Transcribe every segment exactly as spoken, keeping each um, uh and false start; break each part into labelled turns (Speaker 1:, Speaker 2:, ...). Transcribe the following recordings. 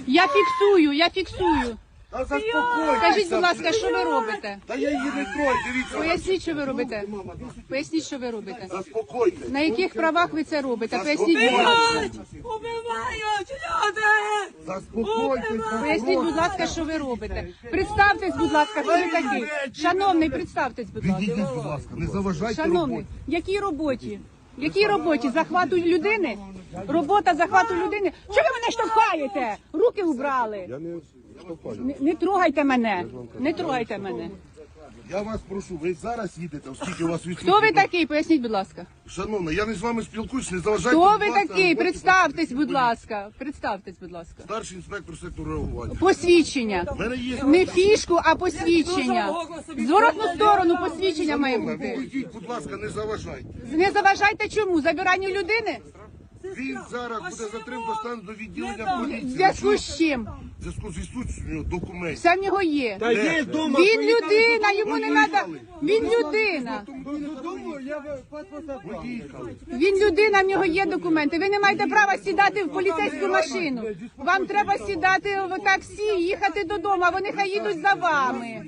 Speaker 1: Я фіксую, я фіксую.
Speaker 2: Та заспокойтеся.
Speaker 1: Скажіть, будь ласка, що ви робите?
Speaker 2: Та я її не трою, дивіться.
Speaker 1: Поясніть, що ви робите. Поясніть, що ви робите.
Speaker 2: Заспокойтесь.
Speaker 1: На яких правах ви це робите? Поясніть, будь ласка.
Speaker 3: Убивають люди!
Speaker 2: Заспокойтесь.
Speaker 1: Поясніть, будь ласка, що ви робите. Представтесь, будь ласка, хто ви такий. Шановний, представтесь, будь ласка.
Speaker 2: Відійдіть, будь ласка, не заважайте
Speaker 1: Шановний,
Speaker 2: роботі.
Speaker 1: якій роботі? Якій роботі? Захвату людини? Робота захвату людини? Чого ви мене штовхаєте? Руки убрали.
Speaker 2: Я не штовхаю.
Speaker 1: Не, не трогайте мене. Не трогайте мене.
Speaker 2: Я вас прошу, ви зараз їдете, оскільки у вас відсутні.
Speaker 1: Хто ви такий? Поясніть, будь ласка.
Speaker 2: Шановна, я не з вами спілкуюсь, не заважайте.
Speaker 1: Хто
Speaker 2: будь
Speaker 1: ви
Speaker 2: ласка,
Speaker 1: такий?
Speaker 2: роботі
Speaker 1: Представтесь,
Speaker 2: працівників
Speaker 1: будь
Speaker 2: поліції.
Speaker 1: ласка. Представтесь, будь ласка.
Speaker 2: Старший інспектор сектору реагування.
Speaker 1: Посвідчення.
Speaker 2: У мене є...
Speaker 1: Не фішку, а посвідчення. Зворотну сторону посвідчення має
Speaker 2: Шановна,
Speaker 1: бути.
Speaker 2: відійдіть, будь ласка, не заважайте.
Speaker 1: Не заважайте чому? Забиранню людини?
Speaker 2: Він зараз буде затримано стан до відділення
Speaker 1: В
Speaker 2: поліції.
Speaker 1: зв'язку з чим?
Speaker 2: В зв'язку з відсутністю документів.
Speaker 1: Все в нього є.
Speaker 2: Де?
Speaker 1: Він людина, йому не треба. Він людина.
Speaker 2: Поїхали.
Speaker 1: Він людина, в нього є документи. Ви не маєте права сідати в поліцейську машину. Вам треба сідати в таксі, їхати додому, а вони хай їдуть за вами.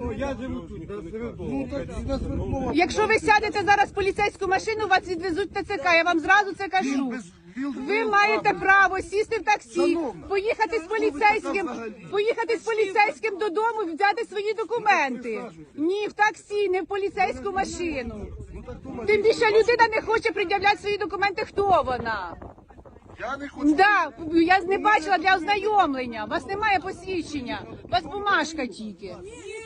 Speaker 1: Якщо ви сядете зараз в поліцейську машину, вас відвезуть в ТЦК. Я вам зразу це кажу. Ви маєте право сісти в таксі, поїхати з поліцейським, поїхати з поліцейським додому, взяти свої документи. Ні, в таксі, не в поліцейську машину. Тим більше людина не хоче пред'являти свої документи. Хто вона?
Speaker 2: Я не хочу.
Speaker 1: Да, я не бачила для ознайомлення. У вас немає посвідчення. У вас бумажка тільки.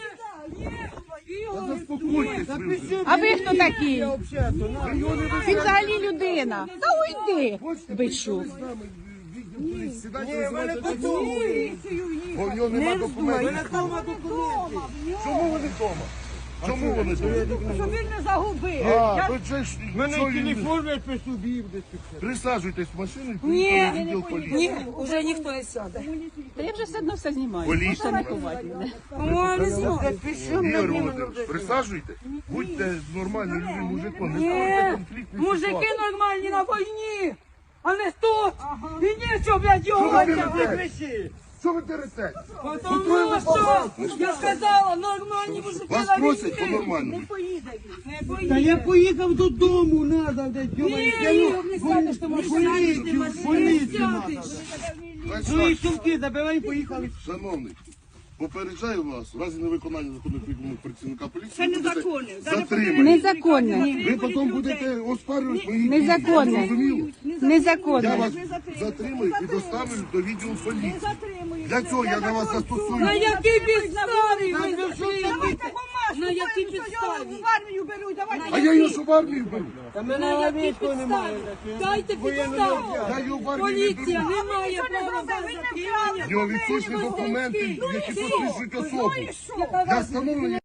Speaker 2: Заспокойтесь ви вже.
Speaker 1: А ви хто такий? Він взагалі людина. Та уйди, бичу.
Speaker 2: Сідайте, визивайте бо в нього нема документів. Чому вони вдома? Чому вони вдома?
Speaker 3: Щоб він не загубив.
Speaker 2: А, то це ж...
Speaker 4: Мене
Speaker 2: що він-
Speaker 4: телефон я при собі десь.
Speaker 2: Присаджуйтесь в машину і
Speaker 3: Ні,
Speaker 2: поїхали в відділ поліції.
Speaker 3: ні, вже ніхто не сяде.
Speaker 1: Та я вже все одно все знімаю.
Speaker 2: Поліція.
Speaker 1: Можете не ховати мене.
Speaker 3: О, не знаю.
Speaker 2: Ігор Володимирович, присаджуйте, будьте нормальним людям, мужиком, не
Speaker 3: Ні,
Speaker 2: ставайте конфліктні
Speaker 3: мужики
Speaker 2: ситуації.
Speaker 3: нормальні на війні, а не тут. І нічого, блядь, його
Speaker 2: Що ви
Speaker 3: витягнути.
Speaker 2: дерете? Що ви дерете?
Speaker 3: Тому що, я сказала, нормальні мужики
Speaker 2: Вас
Speaker 3: на
Speaker 2: просять
Speaker 3: війні.
Speaker 2: по-нормальному.
Speaker 3: Не
Speaker 4: Та
Speaker 3: поїде.
Speaker 4: я поїхав додому, надо, блядь,
Speaker 3: Ні, Ігор, не сядеш, тому що
Speaker 4: поліцію, поліцію надо.
Speaker 2: Значить
Speaker 4: Ну і
Speaker 2: так,
Speaker 4: сумки забирай, поїхали.
Speaker 2: шановний, попереджаю вас, в разі невиконання законних вимог працівника поліції,
Speaker 3: Це
Speaker 2: ви будете
Speaker 3: незаконне.
Speaker 2: затримані.
Speaker 1: Незаконне.
Speaker 2: Ви потім будете оспарювати мої дії.
Speaker 1: Незаконне.
Speaker 2: Зрозуміло? Я
Speaker 1: Незаконне.
Speaker 2: вас затримую і доставлю до відділу поліції. Для цього я на вас застосую.
Speaker 3: На якій підставі ви затримуєте? На якій підставі?
Speaker 5: В армію беруть, давайте.
Speaker 2: А я його ж в армію беру.
Speaker 4: Та
Speaker 3: На
Speaker 4: мене
Speaker 3: якій
Speaker 4: навіть немає.
Speaker 3: підставі? Дайте підставу.
Speaker 2: Я його в армію не
Speaker 3: Поліція
Speaker 2: беру.
Speaker 3: не має права вас затримання.
Speaker 2: В нього відсутні документи, які посвідчують особу. Для встановлення.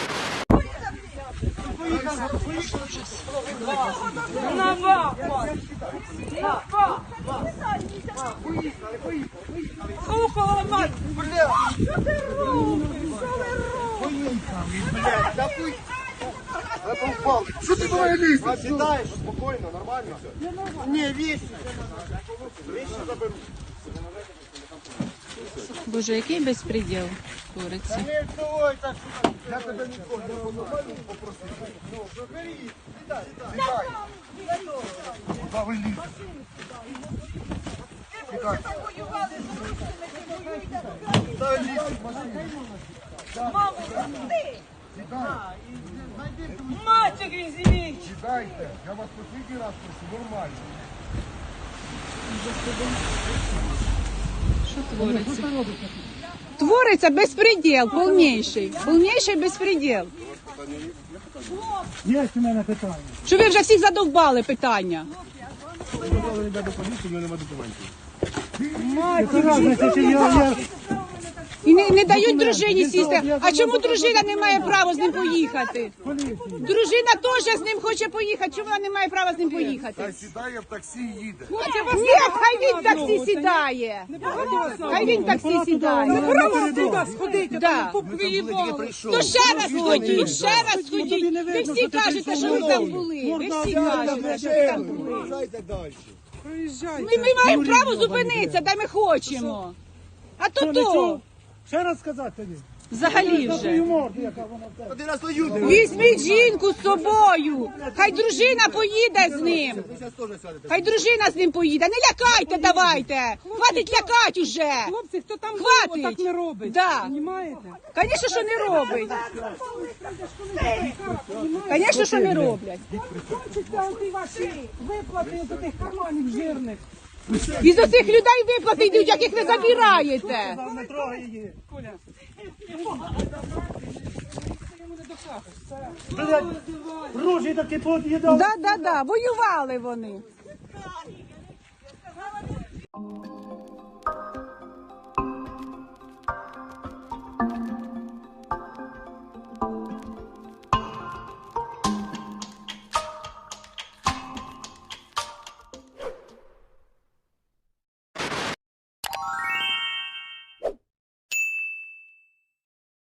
Speaker 3: На вас! На вас! Ухо ламать!
Speaker 2: Що ти давай лізеш?
Speaker 4: Сідаєш, спокійно, нормально все? Ні, вічно.
Speaker 1: Боже, який безпреділ твориться.
Speaker 4: Не вставай так.
Speaker 2: Я тебе ніколи не по-нормальному попросив.
Speaker 4: Ну, забери, сідай, сідай.
Speaker 2: Сідай. Куди ви лізете? Сідай.
Speaker 4: Сідай, лізь в машину.
Speaker 2: Сідай.
Speaker 3: Матері звіть!
Speaker 2: Сідайте. Я вас послідній раз прошу, нормально.
Speaker 1: Що твориться? Твориться безпреділ, повніший. Повніший безпреділ.
Speaker 4: Є у мене питання.
Speaker 1: Що ви вже всіх задовбали питання?
Speaker 2: Сказали, йде до поліції, в мене немає документів.
Speaker 4: Яка разниця, чи я, я...
Speaker 1: І не, не дають дружині сісти. А чому дружина не має права з ним поїхати? Дружина теж з ним хоче поїхати. Чому вона не має права з ним поїхати?
Speaker 2: Та сідає в таксі і їде.
Speaker 1: Ні, хай він в таксі сідає. Хай він в таксі сідає.
Speaker 3: Туди сходити,
Speaker 1: Да.
Speaker 3: приїбали.
Speaker 1: То ще раз ходіть, ще раз ходіть. Ви всі кажете, що ви там були. Ви всі кажете, що ви там були.
Speaker 4: Дайте далі.
Speaker 1: Ми, ми маємо право зупинитися, де ми хочемо. А то
Speaker 4: Що, не
Speaker 1: то.
Speaker 4: чув? Ще раз сказати тобі.
Speaker 1: Взагалі
Speaker 4: За
Speaker 1: вже.
Speaker 4: твою морду, яка вона в тебе.
Speaker 2: Один раз люди.
Speaker 1: Візьміть жінку з собою. Хай дружина поїде з ним.
Speaker 2: Ви зараз теж сядете.
Speaker 1: Хай дружина з ним поїде. Не лякайте, давайте. Хватить лякати уже.
Speaker 3: Хлопці, хто там
Speaker 1: Хватить.
Speaker 3: так не робить?
Speaker 1: Да.
Speaker 3: Понімаєте?
Speaker 1: Звісно, що не робить. Звісно, що не роблять.
Speaker 3: Хочете ті ваші виплати з тих карманів жирних.
Speaker 1: Із оцих людей виплати йдуть, яких ви забираєте.
Speaker 4: Не трогай її. Блядь, ружі таки під'їдав.
Speaker 1: Да, да, да, воювали вони.